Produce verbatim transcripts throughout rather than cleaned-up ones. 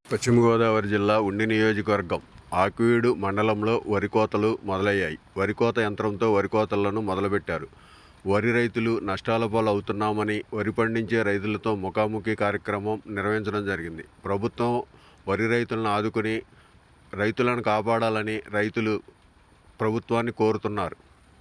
పశ్చిమ గోదావరి జిల్లా ఉండి నియోజకవర్గం ఆకివీడు మండలంలో వరి కోతలు మొదలయ్యాయి. వరి కోత యంత్రంతో వరి కోతలను మొదలుపెట్టారు. వరి రైతులు నష్టాల పాలు అవుతున్నామని వరి పండించే రైతులతో ముఖాముఖి కార్యక్రమం నిర్వహించడం జరిగింది. ప్రభుత్వం వరి రైతులను ఆదుకుని రైతులను కాపాడాలని రైతులు ప్రభుత్వాన్ని కోరుతున్నారు.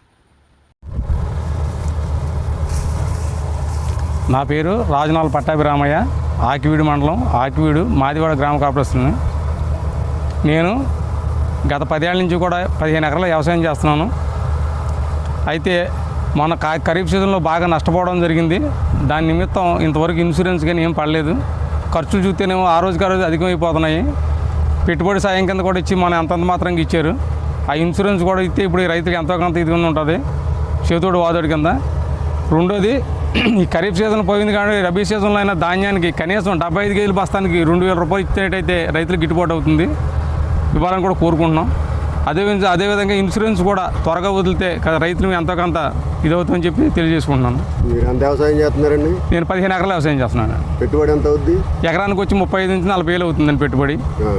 నా పేరు రాజనాల పట్టాభిరామయ్య, ఆకివీడు మండలం, ఆకివీడు మాదివాడ గ్రామ కార్పొరేషన్. నేను గత పదేళ్ళ నుంచి కూడా పదిహేను ఎకరాల వ్యవసాయం చేస్తున్నాను. అయితే మన ఖరీఫ్ సీజన్లో బాగా నష్టపోవడం జరిగింది. దాని నిమిత్తం ఇంతవరకు ఇన్సూరెన్స్ కానీ ఏం పడలేదు. ఖర్చులు చూస్తేనేమో ఆ రోజుకి ఆ రోజు అధికమైపోతున్నాయి. పెట్టుబడి సాయం కింద కూడా ఇచ్చి మనం అంతంత మాత్రంగా ఇచ్చారు. ఆ ఇన్సూరెన్స్ కూడా ఇస్తే ఇప్పుడు రైతులకు ఎంతో కొంత ఇది ఉంటుంది, చేతోడు వాదోడి కింద. రెండోది, ఈ ఖరీఫ్ సీజన్ పోయింది కానీ రబీ సీజన్లో అయినా ధాన్యానికి కనీసం డెబ్బై ఐదు కేజీలు బస్తానికి రెండు వేల రూపాయలు ఇచ్చేటైతే రైతులకు గిట్టుబాటు అవుతుంది, ఇవ్వాలని కూడా కోరుకుంటున్నాం. అదే అదేవిధంగా ఇన్సూరెన్స్ కూడా త్వరగా వదిలితే రైతులు ఎంతో కొంత ఇదవుతుందని చెప్పి తెలియజేసుకుంటున్నాను. మీరు ఎంత వ్యవసాయం చేస్తున్నారండి? నేను పదిహేను ఎకరాలు వ్యవసాయం చేస్తున్నాను. పెట్టుబడి ఎంత అవుద్ది? ఎకరానికి వచ్చి ముప్పై ఐదు నుంచి నలభై వేలు అవుతుందండి పెట్టుబడి.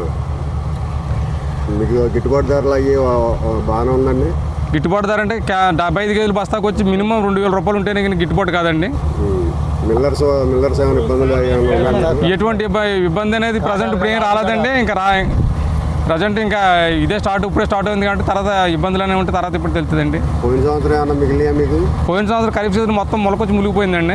మీకు గిట్టుబాటు ధరలు అయ్యి బాగానే ఉందండి? గిట్టుబాటు ధర అంటే డెబ్బై ఐదు కేజీలు బస్తాకు వచ్చి మినిమం రెండు వేల రూపాయలు ఉంటేనే కానీ గిట్టుబాటు కాదండి. మిల్లర్స్ మిల్లర్స్ ఏమైనా ఇబ్బందులు? ఎటువంటి ఇబ్బంది అనేది ప్రజెంట్ ఇప్పుడు ఏం రాలేదండి. ఇంకా రా ప్రజెంట్ ఇంకా ఇదే స్టార్ట్ ఇప్పుడే స్టార్ట్ అయింది కాబట్టి తర్వాత ఇబ్బందులు అనేవి ఉంటే తర్వాత ఇప్పుడు తెలుస్తుందండి. పోయిన సంవత్సరం ఏమన్నా మిగిలియా మీకు? పోయిన సంవత్సరం ఖరీఫ్ సీజన్ మొత్తం మొలకొచ్చి మునిగిపోయిందండి.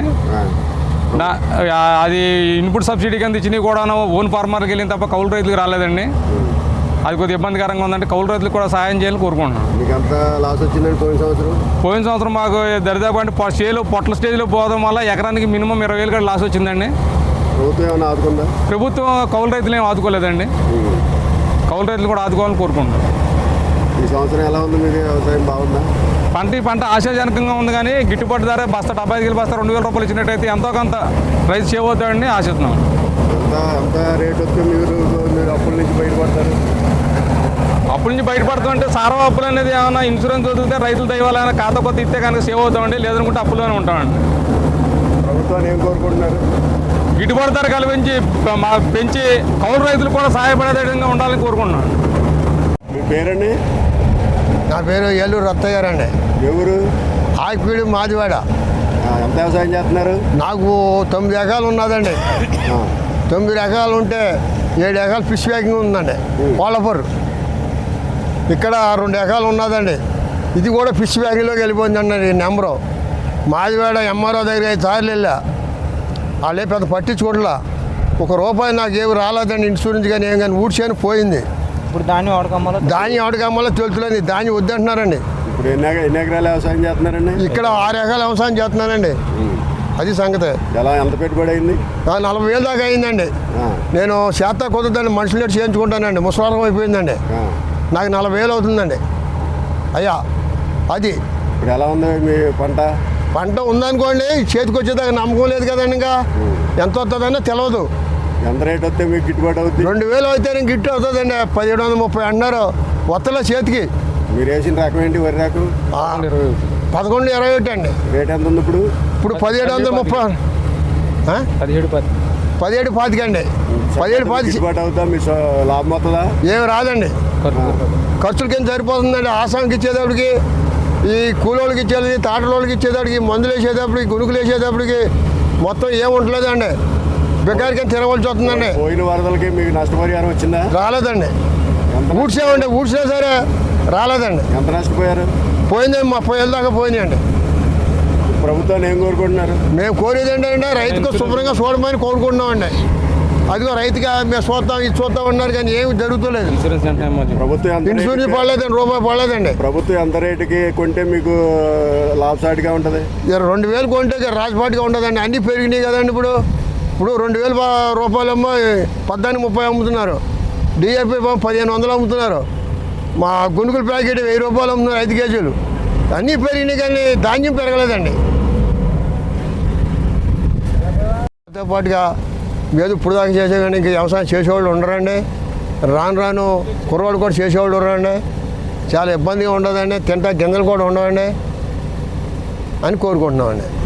అది ఇన్పుట్ సబ్సిడీ కింద ఇచ్చినవి కూడా ఓన్ ఫార్మర్కి వెళ్ళిన తప్ప కౌలు రైతులకు రాలేదండి. అది కొద్దిగా ఇబ్బందికరంగా ఉందంటే కౌలు రైతులకు కూడా సహాయం చేయాలని కోరుకుంటున్నాను. మీకు ఎంత లాస్ వచ్చిందండి పోయిన సంవత్సరం? పోయిన సంవత్సరం మాకు దరిదాపు అంటే చేలో పొట్ల స్టేజ్లో పోవడం వల్ల ఎకరానికి మినిమం ఇరవై వేలు కూడా లాస్ వచ్చిందండి. ప్రభుత్వం ఏమైనా ఆదుకుందా? ప్రభుత్వం కౌలు రైతులు ఏమి ఆదుకోలేదండి. కౌలు రైతులు కూడా ఆదుకోవాలని కోరుకుంటున్నాను. ఈ సంవత్సరం ఎలా ఉంది? మీకు వ్యవసాయం బాగుందా? పంట ఈ పంట ఆశాజనకంగా ఉంది కానీ గిట్టుబాటు ధర బస్తా డెబ్బై ఐదు బస్తా రెండు వేల రూపాయలు ఇచ్చినట్టయితే ఎంతో కొంత రైతు సేవ్ అవుతాడని ఆశిస్తున్నాం. ఎంత ఎంత రేట్ వస్తే మీరు మీరు అప్పుల నుంచి బయటపడతారు? అప్పుల నుంచి బయటపడతామంటే సారవ అప్పులు అనేది ఏమైనా ఇన్సూరెన్స్ వదిలితే రైతులు దయవాలైనా ఖాతా కొత్త ఇస్తే కనుక సేవ్ అవుతామండి, లేదనుకుంటే అప్పుల్లోనే ఉంటామండి. ప్రభుత్వాన్ని ఏం కోరుకుంటున్నారు? గిట్టుబాటు ధర కల్పించి మా పెంచి కౌలు రైతులు కూడా సహాయపడే విధంగా ఉండాలని కోరుకుంటున్నాను. మీ పేరండి? నా పేరు ఏలూరు రత్తయ్య గారండి. ఎవరు? ఆకివీడు మాదివాడ. ఎంత వ్యవసాయం చేస్తున్నారు? నాకు తొమ్మిది ఎకరాలు ఉన్నదండి. తొమ్మిది ఎకరాలు ఉంటే ఏడు ఎకరాలు ఫిష్ ప్యాకింగ్ ఉందండి. కోళ్ళపూర్ ఇక్కడ రెండు ఎకరాలు ఉన్నదండి. ఇది కూడా ఫిష్ ప్యాకింగ్లోకి వెళ్ళిపోయిందండి. ఈ నెంబరు మాదివాడ ఎంఆర్ఓ దగ్గర ఐదు సార్లు వెళ్ళా, వాళ్ళే పెద్ద పట్టించుకోవట్లా. ఒక రూపాయి నాకు ఏమి రాలేదండి, ఇన్సూరెన్స్ కానీ ఏం కానీ ఊడ్చేని పోయింది. ఇప్పుడు ధాన్యం ఆడకమ్మలో ధాన్యం ఆడకమ్మలో తెలుతులేదు, ధాన్యం వద్దంటున్నారండి. ఇప్పుడు ఎన్ని ఎన్ని ఎకరాలు వ్యవసాయం చేస్తున్నారండి? ఇక్కడ ఆరు ఎకరాలు వ్యవసాయం చేస్తున్నానండి. అది సంగతి. ఎలా ఎంత పెట్టుబడి అయింది? నలభై వేలు దాకా అయిందండి. నేను చేత కుదరదండి, మనుషులు చేయించుకుంటానండి. ముసలారం అయిపోయిందండి. నాకు నలభై వేలు అవుతుందండి అయ్యా. అది ఇప్పుడు ఎలా ఉంది మీ పంట? పంట ఉందనుకోండి, చేతికి వచ్చేదాకా నమ్మకం లేదు కదండి. ఇంకా ఎంత వస్తుందన్నా తెలియదు. ఎంత రేట్ వస్తే మీకు గిట్టుబాటు అవుతుంది? రెండు వేలు అయితే గిట్టు అవుతుందండి. పదిహేడు వందల ముప్పై అన్నారు వత్తలో చేతికి. మీరు వేసిన రకం ఏంటి? వరి రకం పదకొండు ఇరవై ఒకటి అండి. రేట్ ఎంత ఉంది ఇప్పుడు? ఇప్పుడు పదిహేడు వందల ముప్పై పదిహేడు పది పదిహేడు పాతికండి. పదిహేడు పాతి గిట్టుబాటు అవుతా? మీ లాభం అవుతుందా? ఏమి రాదండి. ఖర్చుల కింద సరిపోతుందండి. ఆసాంకి ఇచ్చేటప్పటికి, ఈ కూలోళ్ళకి ఇచ్చేది, తాటలోళ్ళకి ఇచ్చేటప్పటికి, మందులు వేసేటప్పటికి, గుణుకులు వేసేటప్పటికి మొత్తం ఏముంటలేదండి. బెకార్ కింద తినవలసి వస్తుందండి. పోయిన వరదలకి మీకు నష్టపరిహారం వచ్చిందా? రాలేదండి. ఊడ్చేమండి, ఊడ్చినా సరే రాలేదండి. ఎంత నష్టపోయారు? పోయిందండి, ముప్పై ఏళ్ళ దాకా పోయినాయండి. ప్రభుత్వాన్ని ఏం కోరుకుంటున్నారు? మేము కోరేది ఏంటంటే రైతుకు శుభ్రంగా చూడమని కోరుకుంటున్నామండి. అదిగో రైతుగా మేము చూద్దాం ఇది చూద్దాం అన్నారు కానీ ఏమి జరుగుతలేదు. ప్రభుత్వం ఇన్సూరెన్స్ పడలేదండి, రూపాయి పడలేదండి. ప్రభుత్వం ఎంత రేటుకి కొంటే మీకు లాభసాటిగా ఉంటుంది? రెండు వేలు కొంటే రాజపాటిగా ఉంటుందండి. అన్నీ పెరిగినాయి కదండి. ఇప్పుడు ఇప్పుడు రెండు వేల రూపాయలమ్మో పద్నాలుగు ముప్పై అమ్ముతున్నారు. డిఏపి పదిహేను వందలు అమ్ముతున్నారు. మా గునుకుల ప్యాకెట్ వెయ్యి రూపాయలు అమ్ముతున్నారు, ఐదు కేజీలు. అన్నీ పెరిగినాయి కానీ ధాన్యం పెరగలేదండి. దాంతో పాటుగా మీద ఇప్పుడు దాకా చేసే కానీ ఇంక వ్యవసాయం చేసేవాళ్ళు ఉండరండి. రాను రాను కుర్రవాళ్ళు కూడా చేసేవాళ్ళు ఉండరండి. చాలా ఇబ్బందిగా ఉండదండి. తింటా గింజలు కూడా ఉండవండి అని కోరుకుంటున్నామండి.